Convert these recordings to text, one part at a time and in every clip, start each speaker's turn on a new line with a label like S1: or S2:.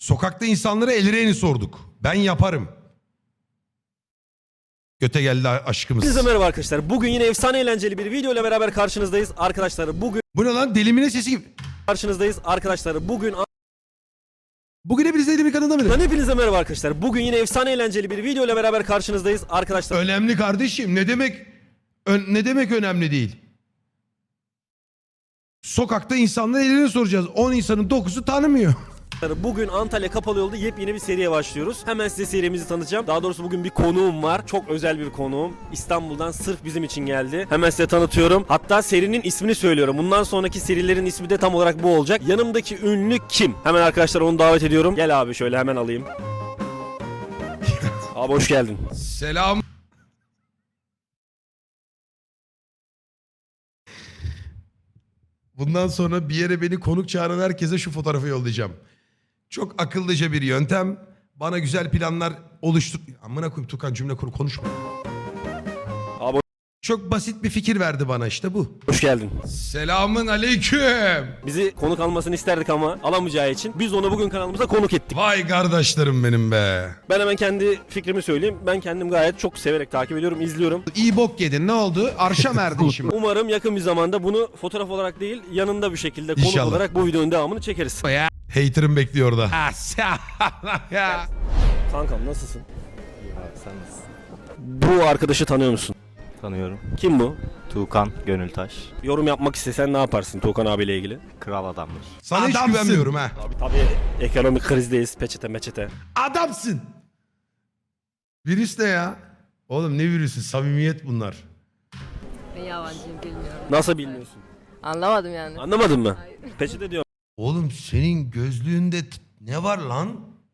S1: Sokakta insanlara elreni sorduk. Ben yaparım. Göte geldi aşkımız.
S2: Hepinize merhaba arkadaşlar. Bugün yine efsane eğlenceli bir video ile beraber karşınızdayız. Arkadaşlar
S1: Bu ne lan? Delimine sesi gibi. Bugün hepinize Delimine kanalında mıdır?
S2: Hepinize merhaba arkadaşlar. Bugün yine efsane eğlenceli bir video ile beraber karşınızdayız. Arkadaşlar
S1: Önemli kardeşim. Ne demek önemli değil? Sokakta insanlara elreni soracağız. 10 insanın 9'u tanımıyor.
S2: bugün Antalya Kapalı Yolda yepyeni bir seriye başlıyoruz. Hemen size serimizi tanıtacağım. Daha doğrusu bugün bir konuğum var. Çok özel bir konuğum. İstanbul'dan sırf bizim için geldi. Hemen size tanıtıyorum. Hatta serinin ismini söylüyorum. Bundan sonraki serilerin ismi de tam olarak bu olacak. Yanımdaki ünlü kim? Hemen arkadaşlar onu davet ediyorum. Gel abi şöyle hemen alayım. Abi hoş geldin.
S1: Selam. Bundan sonra bir yere beni konuk çağıran herkese şu fotoğrafı yollayacağım. Çok akıllıca bir yöntem. Bana güzel planlar oluştur... Amına koyayım Tukan, cümle kur, konuşma.
S2: Abi
S1: Çok basit bir fikir verdi bana, işte bu.
S2: hoş geldin.
S1: Selamın aleyküm.
S2: Bizi konuk almasını isterdik ama alamayacağı için biz onu bugün kanalımıza konuk ettik.
S1: Vay kardeşlerim benim be.
S2: Ben hemen kendi fikrimi söyleyeyim. Ben kendim gayet çok severek takip ediyorum, izliyorum.
S1: İyi bok yedin, ne oldu? Arşa mı erdin şimdi?
S2: Umarım yakın bir zamanda bunu fotoğraf olarak değil, yanında bir şekilde konuk
S1: İnşallah.
S2: olarak bu videonun devamını çekeriz.
S1: Ya. Hater'ım bekliyor orada. Ya.
S2: Kankam nasılsın?
S3: Sen nasılsın?
S2: Bu arkadaşı tanıyor musun?
S3: Tanıyorum.
S2: Kim bu?
S3: Tuğkan Gönültaş.
S2: Yorum yapmak istesen ne yaparsın Tuğkan abiyle ilgili?
S3: Kral adamdır.
S1: Sana hiç güvenmiyorum ha.
S2: Abi tabii ekonomik krizdeyiz, peçete meçete.
S1: Adamsın. Virüs ne ya? Oğlum ne virüsü? Samimiyet bunlar.
S4: Ben yabancıyım bilmiyorum.
S2: Nasıl bilmiyorsun?
S4: Anlamadım yani.
S2: Anlamadın mı?
S4: Hayır.
S2: Peçete diyor.
S1: Oğlum senin gözlüğünde ne var lan?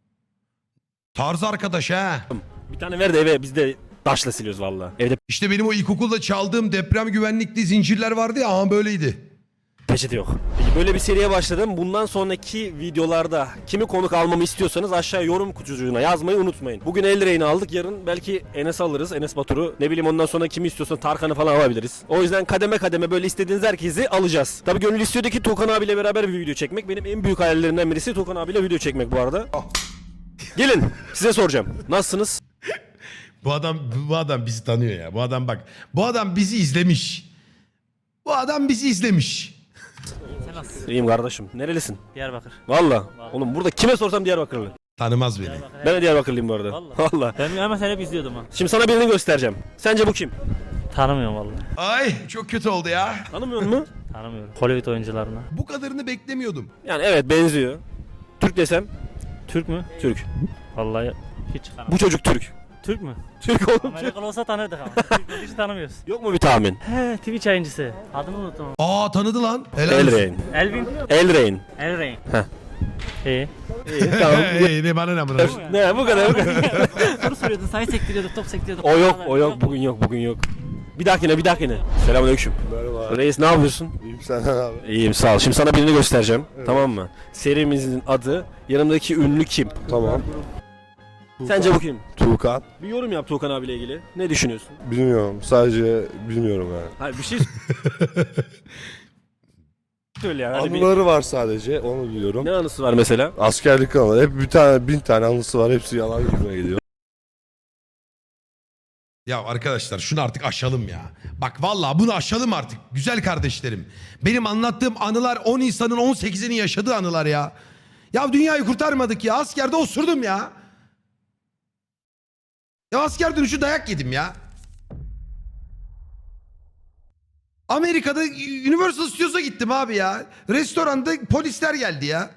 S1: Tarz arkadaş ha.
S2: Bir tane ver de eve biz de taşla siliyoruz valla. Evde
S1: İşte benim o ilkokulda çaldığım deprem güvenlikli zincirler vardı ya, ama böyleydi.
S2: peçete yok. Peki böyle bir seriye başladım. Bundan sonraki videolarda kimi konuk almamı istiyorsanız aşağıya yorum kutucuğuna yazmayı unutmayın. Bugün Elrey'ini aldık. Yarın belki Enes alırız. Enes Batur'u. Ne bileyim ondan sonra kimi istiyorsan Tarkan'ı falan alabiliriz. O yüzden kademe kademe böyle istediğiniz herkesi alacağız. Tabii gönül istiyordu ki Tuğkan abiyle beraber bir video çekmek. Benim en büyük hayallerimden birisi Tuğkan abiyle video çekmek bu arada. Gelin size soracağım. Nasılsınız?
S1: Bu adam bizi tanıyor ya. Bu adam bizi izlemiş. Bu adam bizi izlemiş.
S2: İyiyim kardeşim. Nerelisin?
S5: Diyarbakır.
S2: Valla. Oğlum burada kime sorsam Diyarbakırlı.
S1: Tanımaz beni.
S2: Ben de Diyarbakırlıyım bu arada.
S5: Vallahi.
S2: Valla.
S5: Ben hemen seni hep izliyordum ha.
S2: Şimdi sana birini göstereceğim. Sence bu kim?
S5: Tanımıyorum vallahi.
S1: Ay çok kötü oldu ya.
S2: Tanımıyor musun?
S5: Tanımıyorum. Hollywood oyuncularına.
S1: Bu kadarını beklemiyordum.
S2: Yani evet benziyor. Türk desem
S5: Türk mü?
S2: Türk.
S5: Vallahi hiç tanımıyorum.
S2: Bu çocuk Türk.
S5: Türk mü?
S2: Türk oğlum Türk.
S5: Amerikalı olsa tanırdık ama. Türk hiç tanımıyoruz.
S2: Yok mu bir tahmin?
S5: He, Twitch yayıncısı. Adını unuttum.
S1: Aa, tanıdı lan. Helal olsun.
S2: Elrain.
S5: Elvin.
S2: Elrain.
S5: Elrain.
S2: Heh.
S5: İyi.
S2: İyi tamam.
S1: Ne bana ne bana.
S2: Ne bu kadar bu kadar.
S5: Soru soruyordun, sayı sektiriyorduk, top sektiriyorduk.
S2: O yok bugün yok. Bir dahakine. Selamünaleyküm. Merhaba. Reis ne yapıyorsun?
S6: İyiyim senden abi.
S2: İyiyim sağ ol. Şimdi sana birini göstereceğim. Tamam mı? Serimizin adı yanımdaki ünlü kim?
S6: Tamam.
S2: Sence bu kim?
S6: Tuğkan.
S2: Bir yorum yap Tuğkan abiyle ilgili. Ne düşünüyorsun?
S6: Bilmiyorum. Sadece bilmiyorum yani.
S2: Hayır bir şey söyle yani. Hani
S6: Anıları var sadece. Onu biliyorum.
S2: ne anısı var mesela?
S6: Askerlik anıları. Hep bir tane 1000 tane anısı var. Hepsi yalan gibi geliyor.
S1: Ya arkadaşlar şunu artık aşalım ya. Bak vallahi bunu aşalım artık. Güzel kardeşlerim. Benim anlattığım anılar 10 insanın 18'inin yaşadığı anılar ya. Ya dünyayı kurtarmadık ya. Askerde osurdum ya. Ya asker dönüşü dayak yedim ya. Amerika'da Universal Studios'a gittim abi ya. Restoranda polisler geldi ya.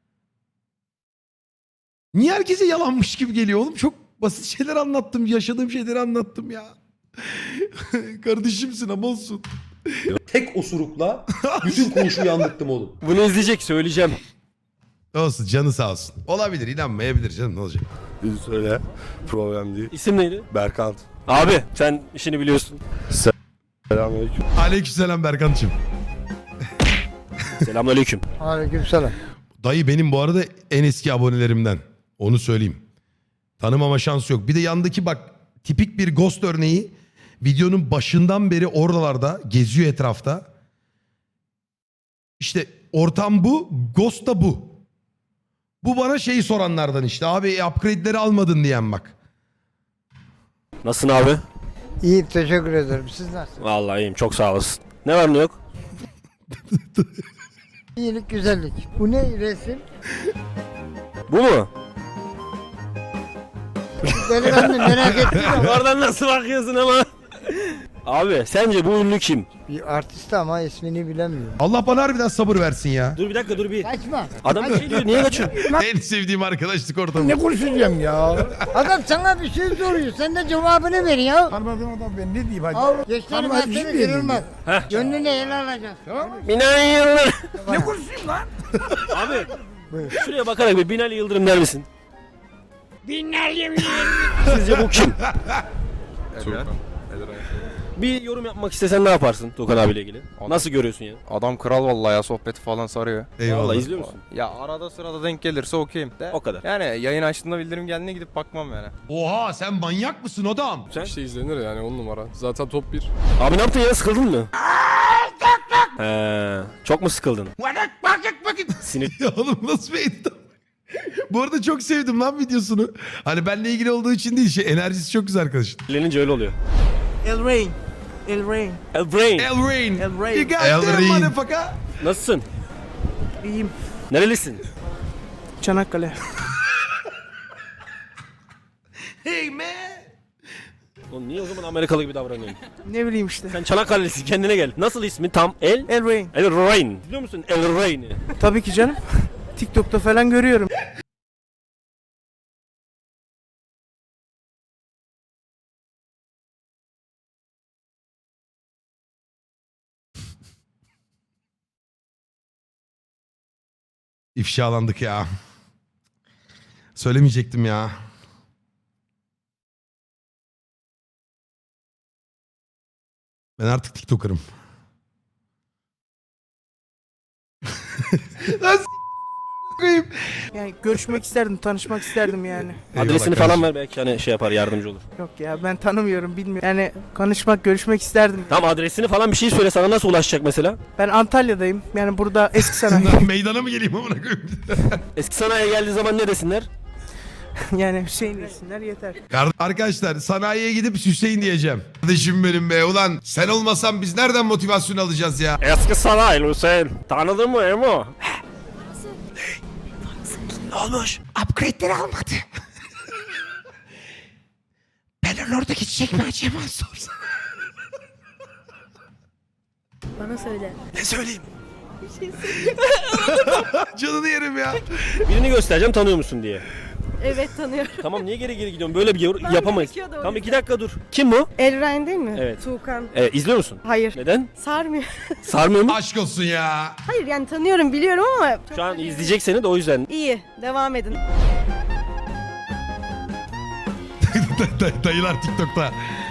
S1: Niye herkese yalanmış gibi geliyor oğlum? Çok basit şeyler anlattım. Yaşadığım şeyleri anlattım ya. Kardeşimsin ama olsun.
S7: Tek osurukla bütün koğuşu yandırttım oğlum.
S2: Bunu izleyecek söyleyeceğim.
S1: Olsun, canı sağ olsun. Olabilir, inanmayabilir canım, ne olacak?
S6: Bir söyle. Problem değil.
S2: İsim neydi?
S6: Berkant.
S2: Abi sen işini biliyorsun.
S6: Selamünaleyküm.
S1: Aleykümselam Berkan'cığım.
S2: Selamünaleyküm.
S8: Aleykümselam.
S1: Dayı benim bu arada en eski abonelerimden. Onu söyleyeyim. Tanımama şansı yok. Bir de yandaki bak tipik bir ghost örneği. Videonun başından beri oralarda geziyor etrafta. İşte ortam bu, ghost da bu. Bu bana şeyi soranlardan işte. Abi upgrade'leri almadın diyen bak.
S2: Nasılsın abi?
S8: İyi teşekkür ederim. Siz nasılsınız?
S2: Vallahi iyiyim, çok sağ olasın. Ne var ne yok?
S8: İyilik güzellik. Bu ne resim?
S2: Bu mu?
S8: Delikanlı merak ettim ama.
S2: Oradan nasıl bakıyorsun ama? Abi sence bu ünlü kim?
S8: Bir artist ama ismini bilemiyorum.
S1: Allah bana harbiden sabır versin ya.
S2: Dur bir dakika dur bir.
S8: Kaçma.
S2: Adam bir şey diyor, niye kaçıyorsun?
S1: En sevdiğim arkadaşlık ortamı.
S8: Ne konuşacağım ya? Adam sana bir şey soruyor. Sen de cevabını ver ya.
S9: Tanımadığım adam ben ne diyeyim hadi.
S8: Al. Gençlerin
S9: Tanımadığım
S8: hakkını
S9: bir yerim
S8: kırılmaz.
S2: Heh.
S8: Gönlünü ele alacaksın. Tamam mı?
S2: Binali Yıldırım.
S9: Ne konuşayım lan?
S2: Abi şuraya bakarak bir Binali Yıldırım der misin?
S8: Binlerce
S2: Sizce bu kim? Bir yorum yapmak istesen ne yaparsın Tuğkan abiyle ilgili? Nasıl görüyorsun ya?
S10: Adam kral vallahi ya, sohbeti falan sarıyor.
S1: Eyvallah.
S2: Vallahi izliyor musun?
S10: Ya arada sırada denk gelirse okeyim de.
S2: O kadar.
S10: Yani yayın açtığında bildirim geldiğinde gidip bakmam yani.
S1: Oha sen manyak mısın adam?
S2: Sen?
S6: İşte izlenir yani 10 numara. Zaten top 1.
S2: Abi ne yaptın ya, sıkıldın mı? Çok mu sıkıldın? Sinir.
S1: Ya oğlum nasıl bir edit? Bu arada çok sevdim lan videosunu. Hani benle ilgili olduğu için değil, enerjisi çok güzel arkadaşın.
S2: Lenince öyle oluyor.
S5: El Rain. El Rain.
S2: El Brain.
S1: El Rain.
S5: El Rain.
S1: You got
S6: El
S1: that
S6: Rain.
S1: motherfucker.
S2: Nasılsın?
S5: İyiyim.
S2: Nerelisin?
S5: Çanakkale.
S1: Hey man.
S2: Oğlum niye o zaman Amerikalı gibi davranıyorsun?
S5: Ne bileyim işte.
S2: Sen Çanakkale'lisin, kendine gel. Nasıl ismi tam?
S5: El Rain.
S2: El Rain. Biliyor musun El Rain'i?
S5: Tabii ki canım. TikTok'ta falan görüyorum.
S1: İfşalandık ya. Söylemeyecektim ya. Ben artık TikToker'ım. Lan koyayım.
S5: Yani görüşmek isterdim, tanışmak isterdim yani.
S2: Adresini
S1: Eyvallah
S2: falan
S1: kardeşim.
S2: ver, belki hani şey yapar, yardımcı olur.
S5: Yok ya ben tanımıyorum, bilmiyorum. Yani konuşmak, görüşmek isterdim.
S2: Tamam, adresini falan bir şey söyle, sana nasıl ulaşacak mesela?
S5: Ben Antalya'dayım. Yani burada eski sanayi.
S1: Lan meydana mı geleyim amına koyayım?
S2: Eski sanayiye geldiği zaman ne desinler?
S5: Yani Hüseyin desinler yeter.
S1: Arkadaşlar sanayiye gidip Hüseyin diyeceğim. Kardeşim benim be ulan sen olmasan biz nereden motivasyon alacağız ya?
S2: Eski sanayi Hüseyin. Tanıdın mı Emo? Ne olmuş?
S1: Upgrade'leri almadı. Ben oradaki çiçek mi acaba sorsam?
S4: Bana söyle.
S2: Ne söyleyeyim?
S1: Canını yerim ya.
S2: Birini göstereceğim, tanıyor musun diye.
S4: Evet tanıyorum.
S2: Tamam, niye geri gidiyorsun? Böyle bir yapamayız.
S4: gerekiyordu o
S2: Tamam,
S4: yüzden.
S2: 2 dakika dur. Kim bu?
S4: Elrain değil mi?
S2: Evet.
S4: Tuğkan.
S2: İzliyor musun?
S4: Hayır.
S2: Neden?
S4: Sarmıyor.
S2: Sarmıyor mu?
S1: Aşk olsun ya.
S4: Hayır yani tanıyorum biliyorum ama. çok
S2: Şu an
S4: da değil.
S2: izleyecek seni de o yüzden.
S4: İyi. Devam edin.
S1: Dayılar TikTok'ta.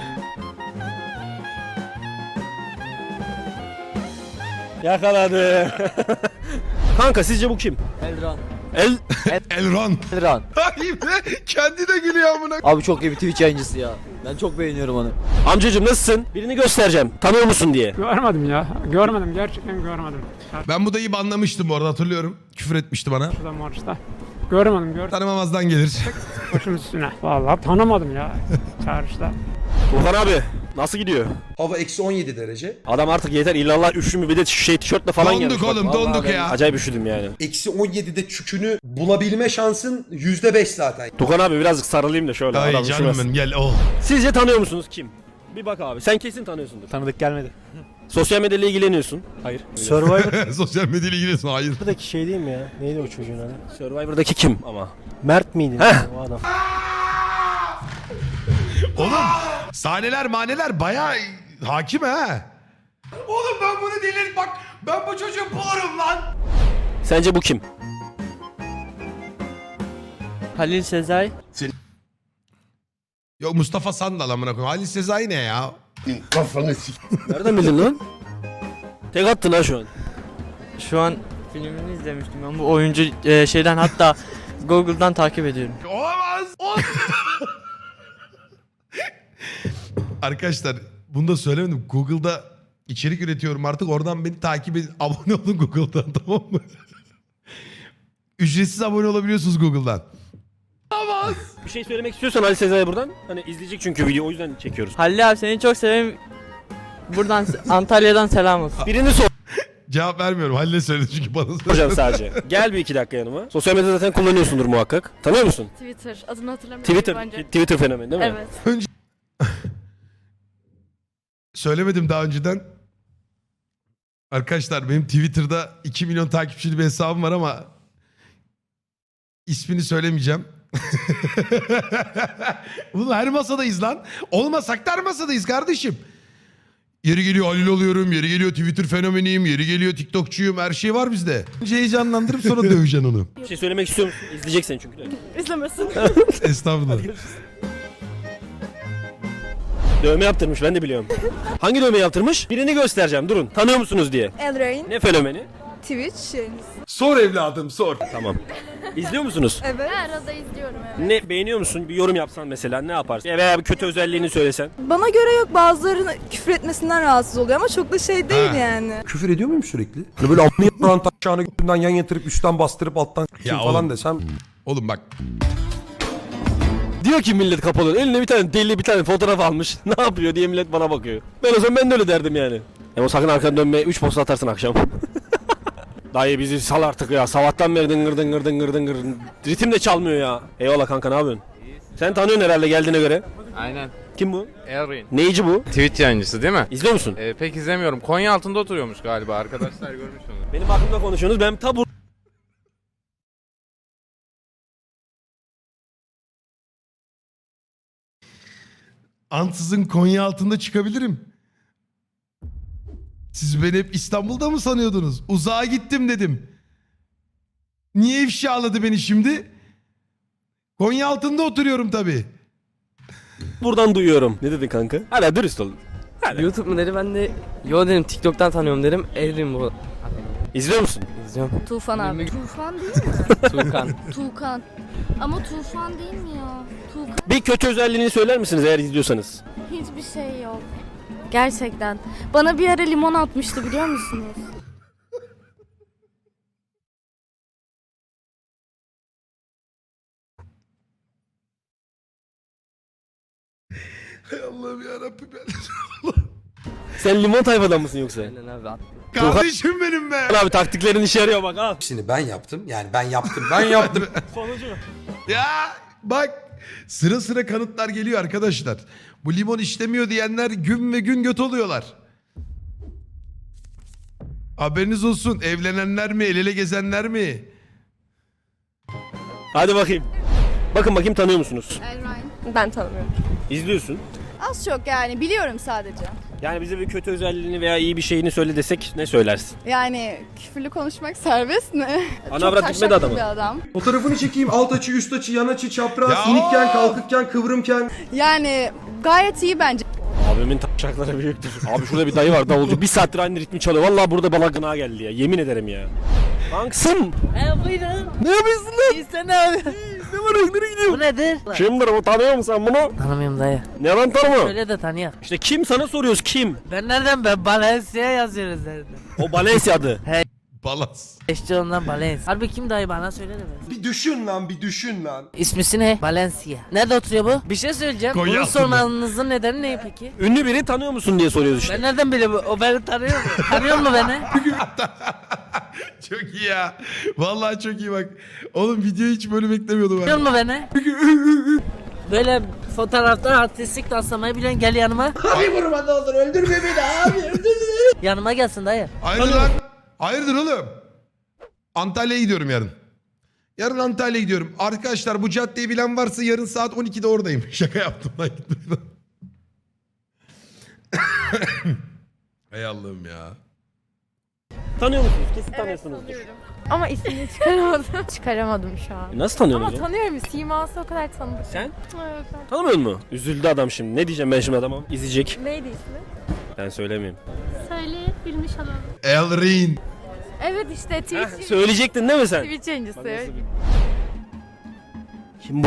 S2: Yakaladı. Kanka sizce bu kim?
S3: Elran.
S1: Elron.
S3: Elran.
S1: Ay be, kendi de gülüyor amına.
S3: Abi çok iyi bir Twitch yayıncısı ya. Ben çok beğeniyorum onu.
S2: Amcacım nasılsın? Birini göstereceğim. Tanıyor musun diye.
S11: Görmedim ya. Görmedim. Gerçekten görmedim.
S1: Ben bu dayıyı banlamıştım bu arada, hatırlıyorum. Küfür etmişti bana.
S11: Şurada Morris'ta. Görmedim.
S1: Tanımamazdan gelir.
S11: Başım üstüne. Vallahi tanımadım ya. Çağrışta.
S2: Tuğhan abi nasıl gidiyor?
S7: Hava eksi 17 derece.
S2: Adam artık yeter illallah üşümü, bir de tişörtle falan gelmiş.
S1: Donduk oğlum,
S2: Bak,
S1: donduk
S2: vallahi
S1: ya.
S2: ben acayip üşüdüm yani.
S7: Eksi 17'de çükünü bulabilme şansın %5 zaten.
S2: Tuğhan abi birazcık sarılayım da şöyle.
S1: Ay
S2: adam
S1: canım
S2: üşümesin.
S1: benim gel. Oh.
S2: Sizce tanıyor musunuz kim? Bir bak abi, sen kesin tanıyorsundur.
S3: Tanıdık gelmedi.
S2: Sosyal medyayla ilgileniyorsun. Hayır.
S1: Sosyal medyayla ilgileniyorsun. Hayır.
S2: Survivor'daki şey değil mi ya? Neydi o çocuğun adı? Survivor'daki kim ama? Mert miydi? O adam.
S1: Oğlum sahneler maneler bayağı hakim ha. Oğlum ben bunu delirip bak, ben bu çocuğu bulurum lan.
S2: Sence bu kim?
S5: Halil Sezai.
S1: Yok Mustafa Sandal amına koyayım. Halil Sezai ne ya?
S6: Kafanı sik.
S2: Nereden bildin lan? Tek attın ha şu an.
S5: Şu an filmini izlemiştim ben. Bu oyuncu şeyden hatta Google'dan takip ediyorum.
S1: Olamaz. Arkadaşlar bunu da söylemedim. Google'da içerik üretiyorum artık. Oradan beni takip edin. Abone olun Google'dan, tamam mı? Ücretsiz abone olabiliyorsunuz Google'dan.
S2: Bir şey söylemek istiyorsan Ali Sezai'ye buradan. Hani izleyecek çünkü video, o yüzden çekiyoruz.
S5: Halil abi seni çok severim. Buradan Antalya'dan selam olsun.
S2: Birini
S1: Cevap vermiyorum. Halil'e söyledi çünkü bana söyledi.
S2: soracağım sadece. Gel bir 2 dakika yanıma. Sosyal medyada zaten kullanıyorsundur muhakkak. Tanıyor musun?
S4: Twitter. Adını hatırlamıyorum.
S2: Twitter fenomeni değil mi?
S4: Evet.
S1: Söylemedim daha önceden. Arkadaşlar benim Twitter'da 2 milyon takipçili bir hesabım var ama ismini söylemeyeceğim. Bunu her masadayız lan. Olmasak da her masadayız kardeşim. Yeri geliyor Halil oluyorum, yeri geliyor Twitter fenomeniyim, yeri geliyor TikTokçuyum, her şey var bizde. Önce heyecanlandırıp sonra döveceksin onu.
S2: Bir şey söylemek istiyor musun? İzleyeceksin çünkü de.
S4: İzlemesin.
S1: Estağfurullah.
S2: Dövme yaptırmış, ben de biliyorum. Hangi dövme yaptırmış? Birini göstereceğim, durun. Tanıyor musunuz diye.
S4: Elrain.
S2: Ne fenomeni?
S4: Twitch.
S7: Sor evladım sor.
S2: Tamam. İzliyor musunuz?
S4: Evet. Arada izliyorum evet.
S2: Ne beğeniyor musun? Bir yorum yapsan mesela ne yaparsın? Veya bir kötü özelliğini söylesen.
S4: Bana göre yok, bazılarının küfür etmesinden rahatsız oluyor ama çok da şey değil yani.
S7: Küfür ediyor muyum sürekli? Hani böyle amına yapan taşağını götünden yan yatırıp üstten bastırıp alttan
S1: Ya
S7: falan
S1: oğlum.
S7: desem.
S1: Oğlum bak.
S2: Diyor ki millet kapalı. Eline bir tane deli bir tane fotoğraf almış. Ne yapıyor diye millet bana bakıyor. Ben o zaman ben de öyle derdim yani. Ama sakın arkadan dönme 3 posta atarsın akşam. Dayı bizi sal artık ya. Sabahtan beri dıngır dıngır dıngır dıngır. Ritim de çalmıyor ya. Eyvallah kanka, ne yapıyorsun? Sen tanıyorsun herhalde geldiğine göre.
S10: Aynen.
S2: Kim bu?
S10: Elrain.
S2: Neyici bu?
S10: Twitch yayıncısı değil mi?
S2: İzliyor musun?
S10: Pek izlemiyorum. Konya altında oturuyormuş galiba. Arkadaşlar görmüş onu.
S2: Benim hakkımda konuşuyorsunuz. Ben tabu.
S1: Ansızın Konya altında çıkabilirim. Siz beni hep İstanbul'da mı sanıyordunuz? Uzağa gittim dedim. Niye ifşaladı beni şimdi? Konya altında oturuyorum tabii.
S2: Buradan duyuyorum. Ne dedin kanka? Hala dürüst ol.
S5: YouTube mu dedi, ben de yo dedim, TikTok'tan tanıyorum dedim. Elrim bu.
S2: İzliyor musun?
S5: İzliyorum.
S4: Tufan abi.
S12: Tufan değil mi?
S5: Tuğkan.
S12: Tuğkan. Ama Tufan değil mi ya? Tuğkan.
S2: Bir kötü özelliğini söyler misiniz eğer izliyorsanız?
S12: Hiçbir şey yok. Gerçekten. Bana bir ara limon atmıştı biliyor musunuz?
S1: Hay Allah'ım yarabbim.
S2: Sen limon tayfadan mısın yoksa?
S5: Aynen abi, at.
S1: Kardeşim benim be.
S2: Abi taktiklerin işe yarıyor bak ha.
S7: Hepsini ben yaptım. Yani ben yaptım. Ben yaptım.
S2: Sonucu.
S1: Ya bak sıra sıra kanıtlar geliyor arkadaşlar. Bu limon işlemiyor diyenler gün ve gün göt oluyorlar. Haberiniz olsun, evlenenler mi, el ele gezenler mi?
S2: Hadi bakayım. Bakın tanıyor musunuz?
S12: Elrain.
S4: Ben tanımıyorum.
S2: İzliyorsun.
S12: Az çok yani biliyorum sadece.
S2: Yani bize bir kötü özelliğini veya iyi bir şeyini söyle desek ne söylersin?
S12: Yani küfürlü konuşmak serbest mi?
S2: Ana avrat gitmedi adamı.
S12: bir adam.
S7: Fotoğrafını çekeyim. Alt açı, üst açı, yan açı, çapraz,
S1: Ya!
S7: inikken, kalkıkken, kıvrımken.
S12: Yani gayet iyi bence.
S2: Abimin taşakları büyüktür. Abi şurada bir dayı var davulcu. Bir saattir aynı ritmi çalıyor. Vallahi burada bana gına geldi ya. Yemin ederim ya. Kanksın.
S5: Buyurun.
S2: Ne yapıyorsun lan?
S5: İyi sen abi.
S2: Ne var? Nereye gidiyorsun?
S5: Bu nedir?
S2: Kimdir bu? Tanıyor musun sen bunu?
S5: Tanımıyorum dayı.
S2: Ne lan tanımıyor?
S5: Öyle de tanıyor.
S2: İşte kim sana soruyoruz kim?
S5: Ben nereden Balenciaga yazıyoruz nereden?
S2: O Balenciaga adı.
S1: Balans.
S5: İşte ondan Balenciaga. Harbi kim dayı, bana söyle de be.
S7: Bir düşün lan, bir düşün lan.
S5: İsmisi ne? Balenciaga. Nerede oturuyor bu? Bir şey söyleyeceğim.
S1: Konya
S5: Bunu
S1: altında.
S5: sormanızın nedeni ne peki?
S2: Ünlü biri tanıyor musun diye soruyoruz işte.
S5: Ben nereden bileyim? O beni tanıyor mu? Tanıyor mu beni?
S1: Çok iyi ya. Vallahi çok iyi bak. Oğlum videoyu hiç böyle beklemiyordum
S5: Tanıyor
S1: ben.
S5: mu beni? Böyle fotoğrafta artistik danslamayı bilen gel yanıma.
S8: Abi vurma ne olur öldürme beni abi öldürme.
S5: Yanıma gelsin dayı.
S1: Hayırdır lan? Hayırdır oğlum? Antalya'ya gidiyorum yarın. Yarın Antalya'ya gidiyorum. Arkadaşlar bu caddeyi bilen varsa yarın saat 12'de oradayım. Şaka yaptım lan. Hay Allah'ım ya.
S2: Tanıyor musunuz? Kesin tanıyorsunuzdur.
S4: Ama ismini çıkaramadım. Çıkaramadım şu an.
S2: Nasıl tanıyorsun
S4: Ama
S2: o zaman?
S4: tanıyorum. Siması o kadar tanıdık.
S2: Sen?
S4: Evet.
S2: Tanımıyor musun? Üzüldü adam şimdi. Ne diyeceğim ben şimdi adama? İzleyecek.
S4: Neydi ismi?
S2: Ben söylemeyeyim.
S12: Söyle bilmiş olalım.
S1: Elrin.
S4: Evet işte Twitch.
S2: Söyleyecektin değil mi sen?
S4: Twitch yayıncısı.
S2: Kim bu?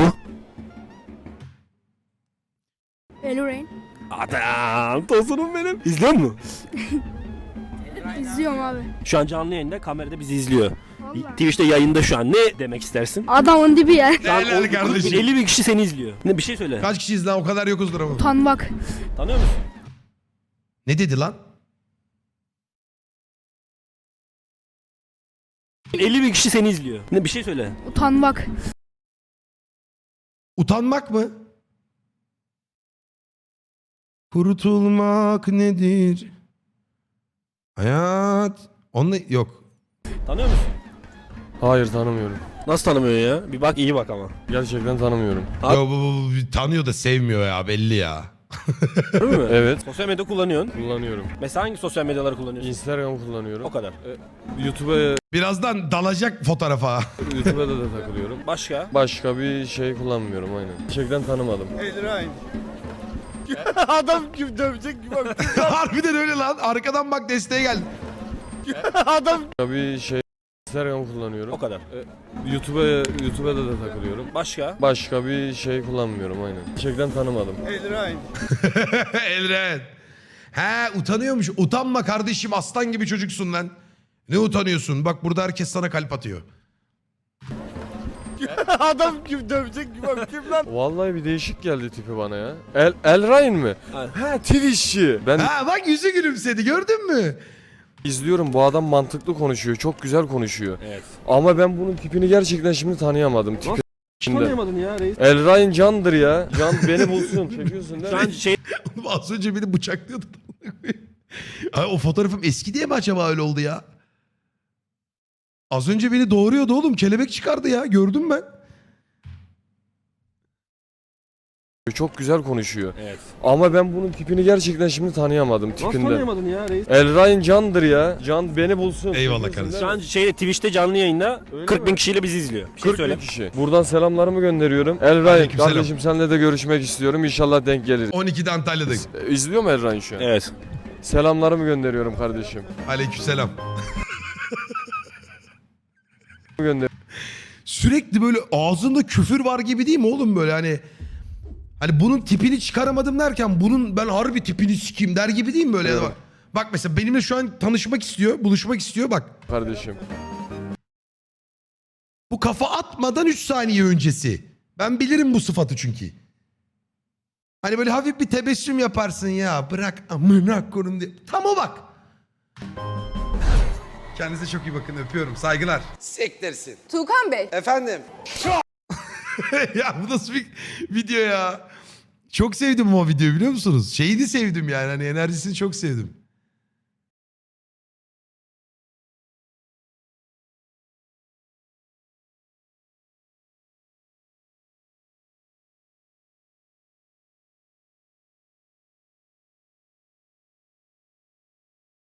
S12: Elrain.
S2: Adam tosunum benim. İzliyor musun?
S12: İzliyorum abi.
S2: Şu an canlı yayında kamerada bizi izliyor. Twitch'te yayında şu an. Ne demek istersin?
S12: Adamın dibi ya.
S2: Şu an
S1: Helal kardeşim.
S2: 50 bin kişi seni izliyor. Ne bir şey söyle.
S1: Kaç kişiyiz lan o kadar yokuzdur ama.
S12: Utanmak.
S2: Tanıyor musun?
S1: Ne dedi lan?
S2: 50 bin kişi seni izliyor. Ne bir şey söyle.
S12: Utanmak.
S1: Utanmak mı? Kurtulmak nedir? Hayat. Onunla yok.
S2: Tanıyor musun?
S6: Hayır tanımıyorum.
S2: Nasıl tanımıyor ya? Bir bak iyi bak ama.
S6: Gerçekten tanımıyorum.
S1: Yo, bu tanıyor da sevmiyor ya belli ya.
S2: Değil mi?
S6: Evet.
S2: Sosyal medya kullanıyorsun.
S6: Kullanıyorum.
S2: Mesela hangi sosyal medyaları kullanıyorsun?
S6: Instagram kullanıyorum.
S2: O kadar.
S6: YouTube'a
S1: Birazdan dalacak fotoğrafa.
S6: YouTube'da da takılıyorum.
S2: Başka?
S6: Başka bir şey kullanmıyorum aynen. Gerçekten tanımadım.
S3: Adam kim dövecek gibi bak.
S1: Harbiden öyle lan. Arkadan bak desteğe geldi.
S3: Adam
S6: Başka bir şey Instagram kullanıyorum.
S2: O kadar.
S6: YouTube'da da takılıyorum.
S2: Başka?
S6: Başka bir şey kullanmıyorum aynen. Gerçekten tanımadım.
S1: Elren. He utanıyormuş. Utanma kardeşim aslan gibi çocuksun lan. Ne utanıyorsun? Bak burada herkes sana kalp atıyor.
S3: adam kim dövecek gibi bak. Kim lan?
S6: Vallahi bir değişik geldi tipi bana ya. Elrain mi?
S2: Evet.
S6: Ha Twitch'çi. Ben
S1: Ha bak yüzü gülümsedi gördün mü?
S6: izliyorum bu adam mantıklı konuşuyor. Çok güzel konuşuyor.
S2: Evet.
S6: Ama ben bunun tipini gerçekten şimdi tanıyamadım. Tipi. Şimdi.
S2: Tanıyamadın ya reis.
S6: Elrain candır ya. Can beni bulsun. Çekiyorsun değil
S2: Şu
S6: mi?
S2: an şey
S1: Oğlum az önce beni bıçaklıyordu. Ay, o fotoğrafım eski diye mi acaba öyle oldu ya? Az önce beni doğuruyordu oğlum. Kelebek çıkardı ya. Gördüm ben.
S6: Çok güzel konuşuyor.
S2: Evet.
S6: Ama ben bunun tipini gerçekten şimdi tanıyamadım
S2: Nasıl
S6: tipinden.
S2: tanıyamadın ya reis?
S6: Elrain candır ya. Can beni bulsun.
S1: Eyvallah
S6: Çekiyorsun
S1: kardeşim.
S6: değil
S2: Şu an Twitch'te canlı yayında
S6: Öyle
S2: 40 bin
S6: mi?
S2: kişiyle bizi izliyor. Bir şey
S6: 40
S2: söyle.
S6: bin kişi. Buradan selamlarımı gönderiyorum. Elrain
S1: Aleykümselam.
S6: kardeşim seninle de görüşmek istiyorum. İnşallah denk geliriz.
S1: 12'de Antalya'dayım.
S6: İzliyor mu Elrain şu an?
S2: Evet.
S6: Selamlarımı gönderiyorum kardeşim.
S1: Aleykümselam.
S6: Gönder.
S1: Sürekli böyle ağzında küfür var gibi değil mi oğlum böyle hani bunun tipini çıkaramadım derken bunun ben harbi tipini sikeyim der gibi değil mi böyle?
S6: Evet.
S1: Bak mesela benimle şu an tanışmak istiyor, buluşmak istiyor bak.
S6: Kardeşim.
S1: Bu kafa atmadan 3 saniye öncesi. Ben bilirim bu sıfatı çünkü. Hani böyle hafif bir tebessüm yaparsın ya bırak amına koyayım diye. Tam o bak. Kendinize çok iyi bakın öpüyorum saygılar.
S4: Sektirsin. Tuğkan Bey.
S1: Efendim. Ya bu nasıl bir video ya? Çok sevdim o videoyu biliyor musunuz? Şeyini sevdim yani hani enerjisini çok sevdim.